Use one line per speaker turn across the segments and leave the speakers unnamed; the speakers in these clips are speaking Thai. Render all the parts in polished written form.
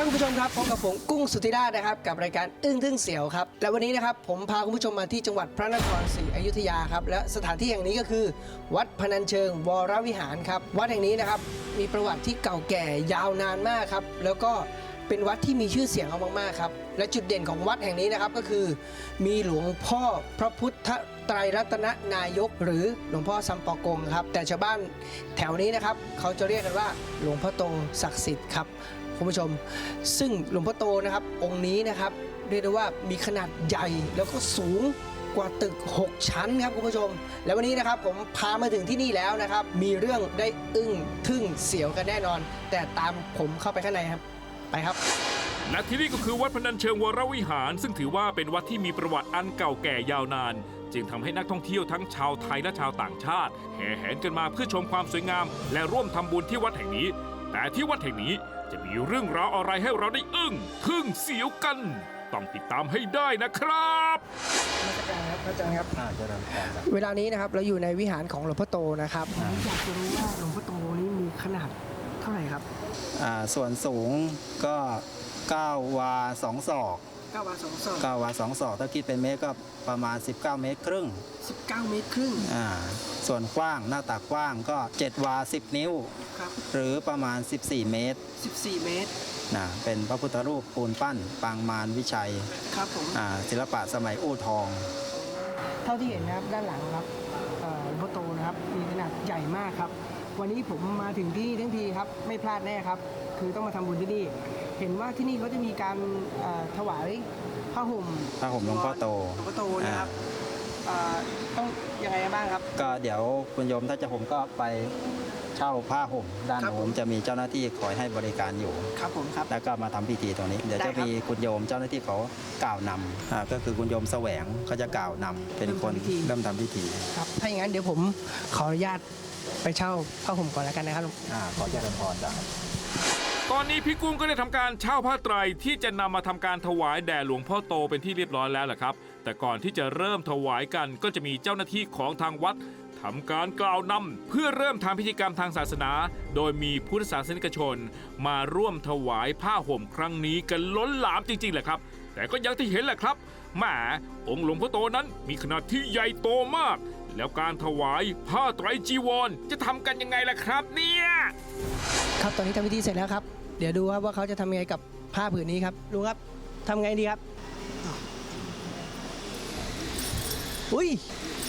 คุณผู้ชมครับพบกับผมกุ้งสุธิราชนะครับกับรายการอึ้งทึ่งเสียวครับและวันนี้นะครับผมพาคุณผู้ชมมาที่จังหวัดพระนครศรีอยุธยาครับและสถานที่แห่งนี้ก็คือวัดพนัญเชิงวรวิหารครับวัดแห่งนี้นะครับมีประวัติที่เก่าแก่ยาวนานมากครับแล้วก็เป็นวัดที่มีชื่อเสียงเอามากๆครับและจุดเด่นของวัดแห่งนี้นะครับก็คือมีหลวงพ่อพระพุทธไตรรัตนนายกหรือหลวงพ่อซัมปอกงครับแต่ชาวบ้านแถวนี้นะครับเขาจะเรียกกันว่าหลวงพ่อโตศักดิ์สิทธิ์ครับคุณผู้ชมซึ่งหลวงพ่อโตนะครับองค์นี้นะครับเรียกได้ว่ามีขนาดใหญ่แล้วก็สูงกว่าตึก6ชั้นครับคุณผู้ชมแล้ววันนี้นะครับผมพามาถึงที่นี่แล้วนะครับมีเรื่องได้อึ้งทึ่งเสียวกันแน่นอนแต่ตามผมเข้าไปข้างในครับไปครับ
และที่นี่ก็คือวัดพนัญเชิงวรวิหารซึ่งถือว่าเป็นวัดที่มีประวัติอันเก่าแก่ยาวนานจึงทำให้นักท่องเที่ยวทั้งชาวไทยและชาวต่างชาติแห่แหนกันมาเพื่อชมความสวยงามและร่วมทำบุญที่วัดแห่งนี้แต่ที่วัดแห่งนี้จะมีเรื่องราวอะไรให้เราได้อึ้งทึ่งเสียวกันต้องติดตามให้ได้นะครับ
พระอาจารย์ครับเวลานี้นะครับเราอยู่ในวิหารของหลวงพ่อโตนะครับอยากจะรู้ว่าหลวงพ่อโตนี้มีขนาดเท่าไหร่ครับ
ส่วนสูงก็9 วา 2 ศอก
9 วา 2 ศอก
9 วา 2 ศอกถ้าคิดเป็นเมตรก็ประมาณ19 เมตรครึ่ง
19 เมตรครึ่ง
ส่วนกว้างหน้าตักกว้างก็7 วา 10 นิ้วหรือประมาณ14 เมตร
14 เมตร
เป็นพระพุทธรูปปูนปั้นปางมารวิชัย
ครับผม
ศิลปะสมัยอู่ทอง
เท่าที่เห็นนะครับด้านหลังครับหลวงพ่อโตนะครับมีขนาดใหญ่มากครับวันนี้ผมมาถึงที่นี่ทั้งทีครับไม่พลาดแน่ครับคือต้องมาทำบุญที่นี่เห็นว่าที่นี่เขาจะมีการถวายผ้าห่ม
หลวงพ่อโต
นะครับต้องยังไงบ้างครับ
ก็เดี๋ยวคุณโยมถ้าจะห่มก็ไปเช่าผ้าห่มด้านโน้นจะมีเจ้าหน้าที่คอยให้บริการอยู่
ครับผมครับ
แล้วก็มาทำพิธีตรงนี้เดี๋ยวจะมีคุณโยมเจ้าหน้าที่เขากล่าวนำก็คือคุณโยมแสวงเขาจะกล่าวนำเป็นคนเริ่มทำพิธี
ครับถ้าอย่างนั้นเดี๋ยวผมขออนุญาตไปเช่าผ้าห่มก่อนแล้วกันนะครับ
ขอเจริญพรจ้ะ
ตอนนี้พี่กุ้งก็ได้ทำการเช่าผ้าไตรที่จะนำมาทำการถวายแด่หลวงพ่อโตเป็นที่เรียบร้อยแล้วแหละครับแต่ก่อนที่จะเริ่มถวายกันก็จะมีเจ้าหน้าที่ของทางวัดทำการกล่าวนำเพื่อเริ่มทำพิธีกรรมทางศาสนาโดยมีพุทธศาสนิกชนมาร่วมถวายผ้าห่มครั้งนี้กันล้นหลามจริงๆแหละครับแต่ก็อย่างที่เห็นแหละครับแหมองค์หลวงพ่อโตนั้นมีขนาดที่ใหญ่โตมากแล้วการถวายผ้าไตรจีวรจะทำกันยังไงล่ะครับเนี่ย
ครับตอนนี้ทำพิธีเสร็จแล้วครับเดี๋ยวดูครับว่าเขาจะทำยังไงกับผ้าผืนนี้ครับลุงครับทำไงดีครับอุ้ย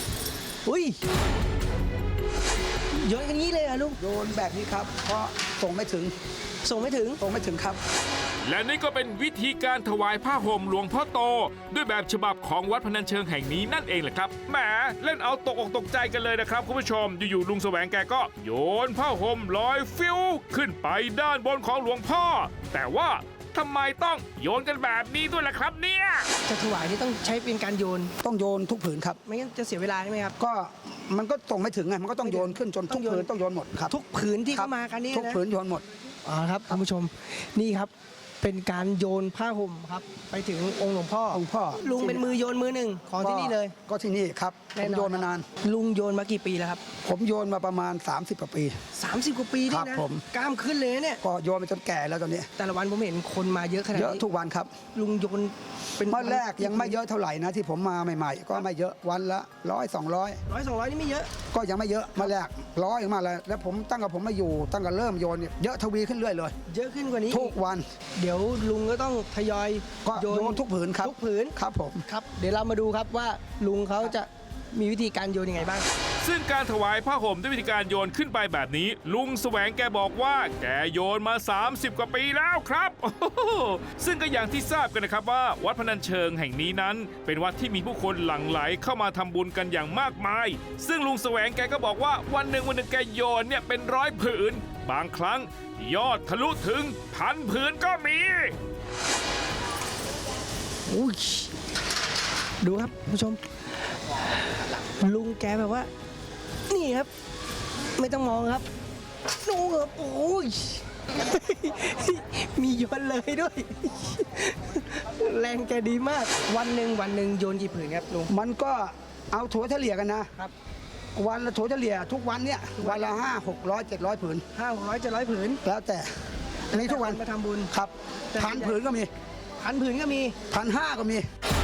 โยนกันงี้เลยเหรอลุง
โยนแบบนี้ครับเพราะส่งไม่ถึงครับ
และนี่ก็เป็นวิธีการถวายผ้าห่มหลวงพ่อโตด้วยแบบฉบับของวัดพนัญเชิงแห่งนี้นั่นเองแหละครับแหมเล่นเอาตกอกตกใจกันเลยนะครับคุณผู้ชมอยู่ๆลุงแสวงแกก็โยนผ้าห่มลอยฟิวขึ้นไปด้านบนของหลวงพ่อแต่ว่าทำไมต้องโยนกันแบบนี้ด้วยล่ะครับเนี่ย
จะถวายนี่ต้องใช้เป็นการโยน
ต้องโยนทุกผืนครับ
ไม่งั้นจะเสียเวลาใช่ไหมครับ
ก็มันก็ส่งไม่ถึงไงมันก็ต้องโยนขึ้นจนทุกผืนต้องโยนหมดครับ
ทุกผืนที่เข้ามากันนี่
ทุกผืนโยนหมด
ครับคุณผู้ชมนี่ครับเป็นการโยนผ้าห่มครับไปถึงองค์หลวงพ่อลุงเป็นมือโยนมือหนึ่งของที่นี่เลย
ก็ที่นี่ครับผมโยนมานาน
ลุงโยนมากี่ปีแล้วครับ
ผมโยนมาประมาณ30 กว่าปี
30 กว่าปีนี่นะกล้ามขึ้นเลยเนี่ย
ก็โยนไปจนแก่แล้วตอนนี้
แต่ละวันผมเห็นคนมาเยอะขนาดนี้
เยอะทุกวันครับ
ลุงโยน
เป็นเมื่อแรกยังไม่เยอะเท่าไหร่นะที่ผมมาใหม่ๆก็ไม่เยอะวันละ100 200
นี่ไม่เยอะ
ก็ยังไม่เยอะมาแรก100มาแล้วผมตั้งแต่ผมมาอยู่ตั้งแต่เริ่มโยนเนี่ยเยอะทวีขึ้นเรื่อยเลย
เยอะขึ้นกว่านี้
ทุกวัน
เดี๋ยวลุงก็ต้องทยอย
โยนทุกผืนครับ
ทุกผืน
ครับผม
ครับเดี๋ยวเรามาดูครับว่าลุงเขาจะมีวิธีการโยนยังไงบ้าง
ซึ่งการถวายผ้าห่มด้วยวิธีการโยนขึ้นไปแบบนี้ลุงแสวงแกบอกว่าแกโยนมา30 กว่าปีแล้วครับซึ่งก็อย่างที่ทราบกันนะครับว่าวัดพนัญเชิงแห่งนี้นั้นเป็นวัดที่มีผู้คนหลั่งไหลเข้ามาทำบุญกันอย่างมากมายซึ่งลุงแสวงแกก็บอกว่าวันหนึ่งแกโยนเนี่ยเป็น100 ผืนบางครั้งยอดทะลุถึง1,000 ผืนก็มี
ดูครับผู้ชมลุงแกแบบว่านี่ครับไม่ต้องมองครับดูครับโอ้ยมีโยนเลยด้วยแรงแกดีมากวันหนึ่งโยนกี่ผืนครับลุง
มันก็เอาถั่วเฉลี่ยกันนะครับวันละถั่วเฉลี่ยทุกวันเนี่ยวันละ500 600 700 ผืน
500 700 ผืน
แล้วแต่มีทุกวัน
มาทำบุญ
ครับ
แต่
1,000 ผืนก็มี
1,000 ผืนก็มี
1,500 ก็มี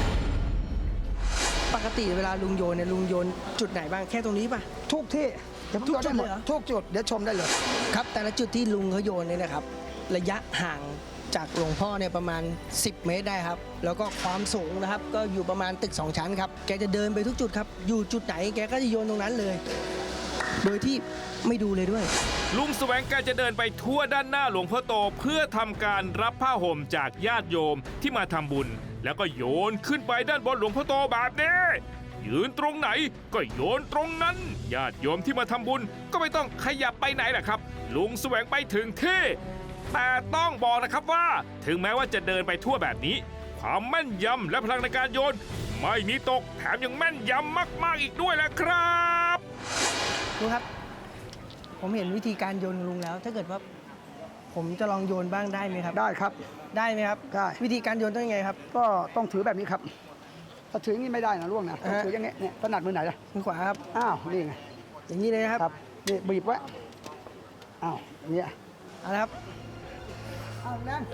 ปกติเวลาลุงโยนเนี่ยลุงโยนจุดไหนบ้างแค่ตรงนี้ป่ะ
ทุกที่เดี๋ยวผม
ทุก
โยนได้หมด
จุดเลยเหรอ
ทุกจุดเดี๋ยวชมได้เลย
ครับแต่ละจุดที่ลุงเขาโยนเนี่ยนะครับ ระยะห่างจากหลวงพ่อเนี่ยประมาณ 10 เมตรได้ครับ แล้วก็ความสูงนะครับ ก็อยู่ประมาณตึก 2 ชั้นครับ แกจะเดินไปทุกจุดครับ อยู่จุดไหนแกก็จะโยนตรงนั้นเลย โดยที่ไม่ดูเลยด้วย
ลุงแสวงการจะเดินไปทั่วด้านหน้าหลวงพ่อโตเพื่อทำการรับผ้าห่มจากญาติโยมที่มาทำบุญ แล้วก็โยนขึ้นไปด้านบนหลวงพ่อโตแบบนี้ยืนตรงไหนก็โยนตรงนั้นญาติโยมที่มาทำบุญก็ไม่ต้องขยับไปไหนแหละครับ ลุงแสวงไปถึงที่แต่ต้องบอกนะครับว่าถึงแม้ว่าจะเดินไปทั่วแบบนี้ ความแม่นยำและพลังในการโยน ไม่มีตกแถมยังแม่นยำมากๆอีกด้วยแหละครับ
ลุงครับ ผมเห็นวิธีการโยนของลุงแล้ว ถ้าเกิดว่าผมจะลองโยนบ้างได้ไหมครับ
ได้ครับ
ได้ไหมครับ
ได้
วิธีการโยนต้องยังไงครับ
ก็ต้องถือแบบนี้ครับ ถ้าถืออย่างนี้ไม่ได้นะล่วงนะต้องถืออย่างเงี้ยเนี่ยถนัดมือไหนล่ะ
มือขวาครับ
อ้าวนี่ไง
อย่างนี้เลยนะครับ
ครับนี่บีบไว้อ้าวเนี่ย
เอาละครับ
อ้าวนั่น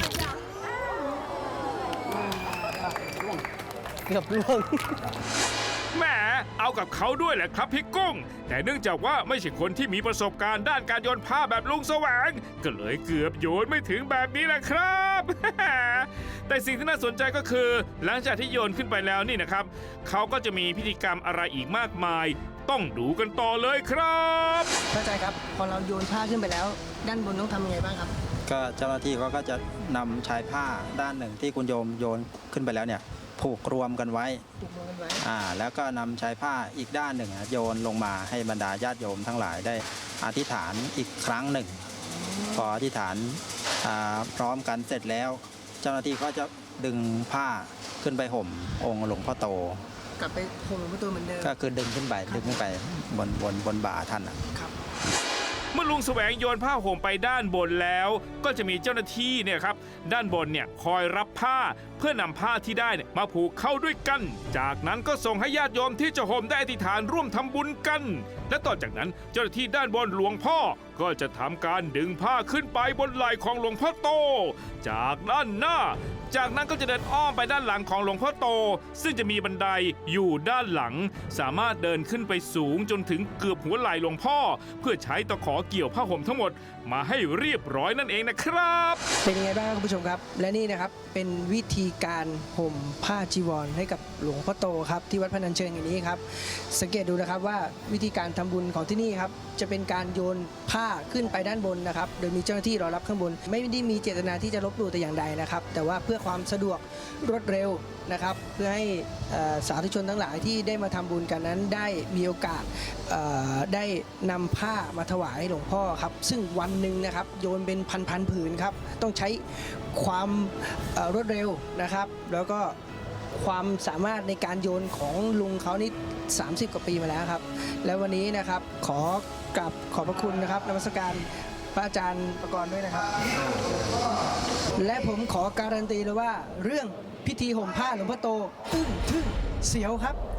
เกือบล่วง
แหมเอากับเขาด้วยแหละครับพี่กุ้ง แต่เนื่องจากว่าไม่ใช่คนที่มีประสบการณ์ด้านการโยนผ้าแบบลุงแสวง ก็เลยเกือบโยนไม่ถึงแบบนี้แหละครับ แต่สิ่งที่น่าสนใจก็คือ หลังจากที่โยนขึ้นไปแล้วนี่นะครับ เขาก็จะมีพิธีกรรมอะไรอีกมากมาย ต้องดูกันต่อเลยครับ
เข้าใจครับ พอเราโยนผ้าขึ้นไปแล้ว ด้านบนต้องทำยังไงบ้างครับ
ก็เจ้าหน้าที่เขาก็จะนำชายผ้าด้านหนึ่งที่คุณโยมโยนขึ้นไปแล้วเนี่ยผูกรวมกันไว้
ถูกลงกันไว้
แล้วก็นำชายผ้าอีกด้านหนึ่งโยนลงมาให้บรรดาญาติโยมทั้งหลายได้อธิษฐานอีกครั้งหนึ่ง พออธิษฐานพร้อมกันเสร็จแล้ว เจ้าหน้าที่ก็จะดึงผ้าขึ้นไปห่มองค์หลวงพ่อโต
กลับไปห่มหลวงพ่อโตเหมือนเดิม
ก็คือดึงขึ้นไปบนบ่าท่านน่ะ
ครับ
เมื่อลุงแสวงโยนผ้าห่มไปด้านบนแล้ว ก็จะมีเจ้าหน้าที่เนี่ยครับด้านบนเนี่ยคอยรับผ้าเพื่อนำผ้าที่ได้เนี่ยมาผูกเข้าด้วยกัน จากนั้นก็ส่งให้ญาติโยมที่จะห่มได้อธิษฐานร่วมทำบุญกัน และต่อจากนั้นเจ้าหน้าที่ด้านบนหลวงพ่อก็จะทำการดึงผ้าขึ้นไปบนไหล่ของหลวงพ่อโต จากด้านหน้า จากนั้นก็จะเดินอ้อมไปด้านหลังของหลวงพ่อโต ซึ่งจะมีบันไดอยู่ด้านหลัง สามารถเดินขึ้นไปสูงจนถึงเกือบหัวไหล่หลวงพ่อ เพื่อใช้ตะขอเกี่ยวผ้าห่มทั้งหมดมาให้เรียบร้อยนั่นเองนะครับ
เป็นยังไงบ้างครับคุณผู้ชมครับ และนี่นะครับเป็นวิธีการห่มผ้าจีวรให้กับหลวงพ่อโตครับที่วัดพนัญเชิงอย่างนี้ครับ สังเกตดูนะครับว่าวิธีการทำบุญของที่นี่ครับจะเป็นการโยนผ้าขึ้นไปด้านบนนะครับโดยมีเจ้าหน้าที่รอรับข้างบน ไม่ได้มีเจตนาที่จะลบหลู่แต่อย่างใดนะครับแต่ว่าเพื่อความสะดวกรวดเร็วนะครับเพื่อให้สาธุชนทั้งหลายที่ได้มาทำบุญกันนั้นได้มีโอกาสได้นำผ้ามาถวายหลวงพ่อครับซึ่งวันหนึ่งนะครับโยนเป็นพันผืนครับต้องใช้ความรวดเร็วนะครับแล้วก็ความสามารถในการโยนของลุงเขานี่30 กว่าปีมาแล้วครับและวันนี้นะครับขอบพระคุณนะครับนมัสการพระอาจารย์ประกรณ์ด้วยนะครับ และผมขอการันตีเลยว่าเรื่องพิธีห่มผ้าหลวงพ่อโตอึ้งทึ่งเสียวครับ